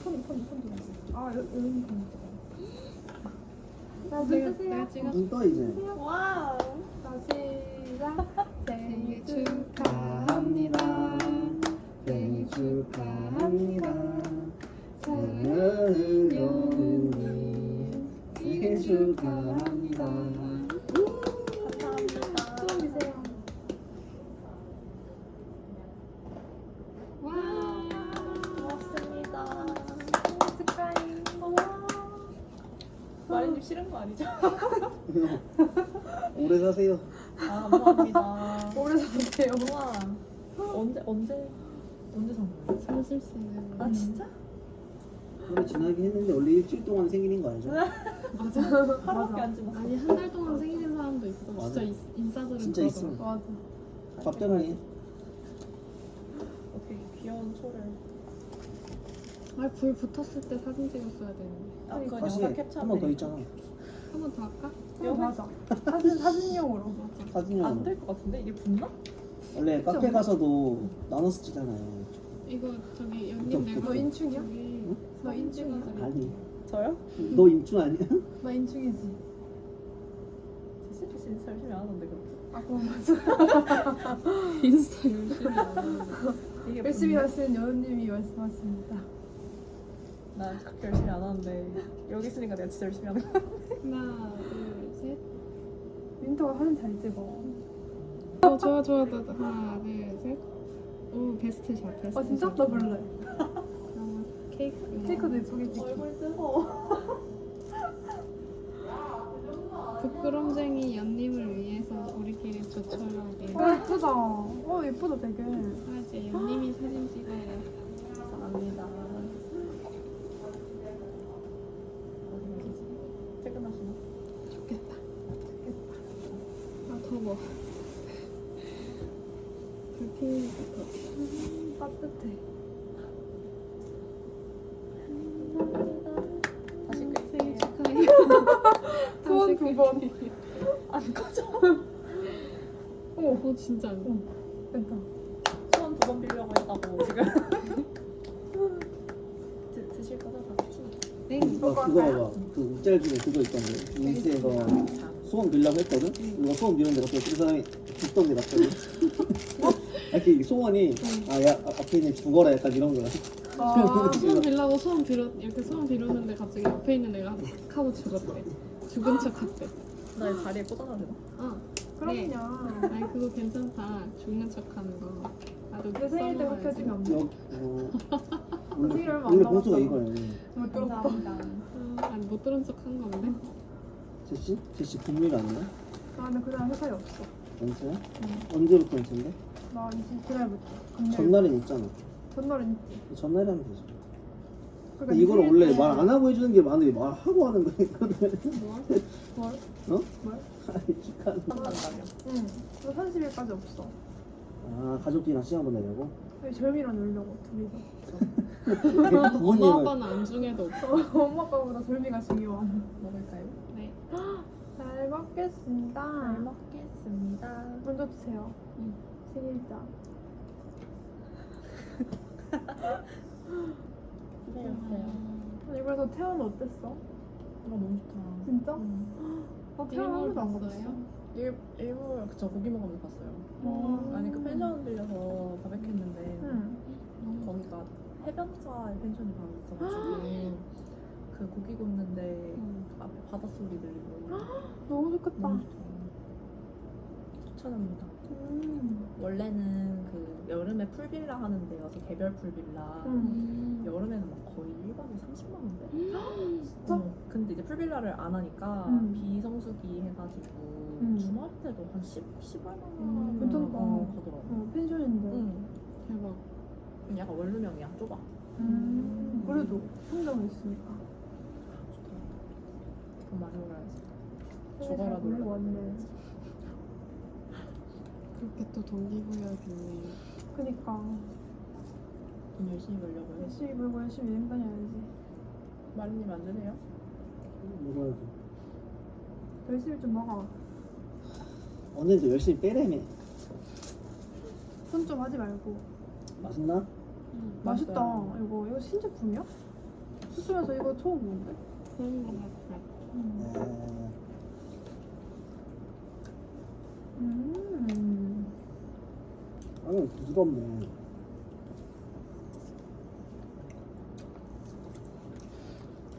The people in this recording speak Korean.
아 여기 자, 눈 떠 이제. 와우. 시작. 생일 축하합니다. 생일 축하합니다. 사랑하는 여운님 생일 축하합니다. 감사합니다. 소원 비세요. 와. 고맙습니다. 축하해. 마리님 싫은 거 아니죠? 오래 사세요. 아 감사합니다. 오래 사세요. 우와. 언제 산 거예요? 사실 수 있는. 아 진짜? 오래 지나긴 했는데 원래 일주일 동안 생일인 거 알죠? 맞아. 하루밖에 안 지났어. 아니 한 달 동안 생일인 사람도 있어. 맞아. 진짜 인싸들은 진짜 그러더라. 있어. 맞아. 답장이 어떻게 귀여운 초를. 아, 불 붙었을 때 사진 찍었어야 되는데. 아 그건 다시 영상 캡처. 한 번 더 있잖아. 한 번 더 할까? 맞아. 사진용으로. 사진용. 안될 것 같은데 이게 붙나? 원래 카페 가서도 나눠서 찍잖아요. 이거 저기 좀 연님 내가 너 인충이야? 저기 너 인충이야? 아니, 저요? 너 인충 아니야? 나 인충이지. 진짜 열심히 안 하는데 그렇게. 아 그럼 맞아. 인스타 열심히 안 하는데. 이게 열심히 붙나? 하시는 여우님이 말씀하십니다. 나 그렇게 열심히 안 하는데 여기 있으니까 내가 진짜 열심히 하는 거야. 하나, 둘, 셋. 윈터가 사진 잘 찍어. 좋아. 하나, 둘, 셋. 오, 베스트 샷, 베스트 아 진짜? 샷. 나 볼래. 그러면 케이크. 케이크도 예쁘게 찍고. 얼굴 뜨거워. 부끄럼쟁이 연님을 위해서 우리끼리 조촐하게. 예쁘다. 예쁘다 되게. 아, 이제 연님이 사진 찍어요. 감사합니다. 퇴근하시나? 좋겠다. 아, 더워. 불 피우니까 더. 따뜻해. 다시 끌게요. 생일 축하해. 소원 두 번. 안 꺼져. 진짜 안 돼. 됐다. 소원 2번 빌려고 했다고 지금. 드실 거죠? 다 드시죠. 네. 그거 봐봐. 그 짤 중에 그거 있던데. 인스에서 소원 빌려고 했거든? 누가 소원 비는데 갑자기 그 사람이 죽던데 갑자기. 이렇게 소원이 앞에 있는 죽어라 약간 이런 거야. 소원 빌라고 소원 빌었 이렇게 소원 빌었는데 갑자기 옆에 있는 애가 탁 하고 죽었대. 죽은 척 했대. 나 이 다리에 꽂아놔야 되나? 네. 그럼요. 아니 그거 괜찮다. 죽는 척 하는 거. 나도 내 생일 때 그렇게 해주면 안 돼. 생일 얼마 안 원래 남았잖아. 봉투가 이거예요. 못 들었다. 아니 못 들은 척 한 건데. 제시? 제시 분명히 아니야? 나 근데 그날 회사에 없어. 언제야? 언제부터 언제인데? 나 29날부터. 전날엔 있잖아. 전날은 있지. 전날에 하면 되지. 그러니까 근데 이거를 생일 원래 때- 말 안 하고 해주는 게 많은데 말하고 하는 거야 이거를. 뭘? 어? 뭘? 아니 축하한다. 한단다며. 응. 너 30일까지 없어. 아 가족끼리랑 시간 보내려고? 아니, 절미랑 놀려고 둘이서. 엄마 부모님은 아빠는 안중에도 없어. 엄마 아빠보다 절미가 중요해. 먹을까요? 네. 잘 먹겠습니다. 잘 먹겠습니다. 먼저 드세요. 응. 생일자. 기다렸어요. 이번에 태어는 어땠어? 너무 좋다. 진짜? 음. 나 태어는 한 번도 안 일본 가봤어. 갔어요? 일부 그쵸 고기 먹으면서 봤어요. 아니 그 펜션 들려서 바베큐 했는데 응. 거기가 해변가에 펜션이 바로 있어가지고 그 고기 굽는데 앞에 바닷소리 들리고 너무 좋겠다. 너무 좋다. 추천합니다. 원래는 그 여름에 풀빌라 하는 데여서 개별 풀빌라 여름에는 막 거의 1박에 30만 원대? 진짜? 근데 이제 풀빌라를 안 하니까 비성수기 해가지고 주말 때도 한 10얼마 괜찮다. 가더라고. 펜션인데. 응. 대박. 약간 원룸형이야. 좁아. 그래도 혼자만 있으니까. 돈 많이 올라야지. 생일 잘 죽어라 보내고 놀라. 왔네. 그렇게 또 동기부여되네. 그니까. 돈 열심히 벌려고 해. 열심히 벌고 열심히 여행 다녀야지. 마리님 안 드세요? 먹어야지. 열심히 좀 먹어. 언니도 열심히 빼래매. 손 좀 하지 말고. 맛있나? 맛있다. 맛있어요. 이거 신제품이야? 수술에서 이거 처음 보는데? 그런 거 같아. 빵은 부드럽네.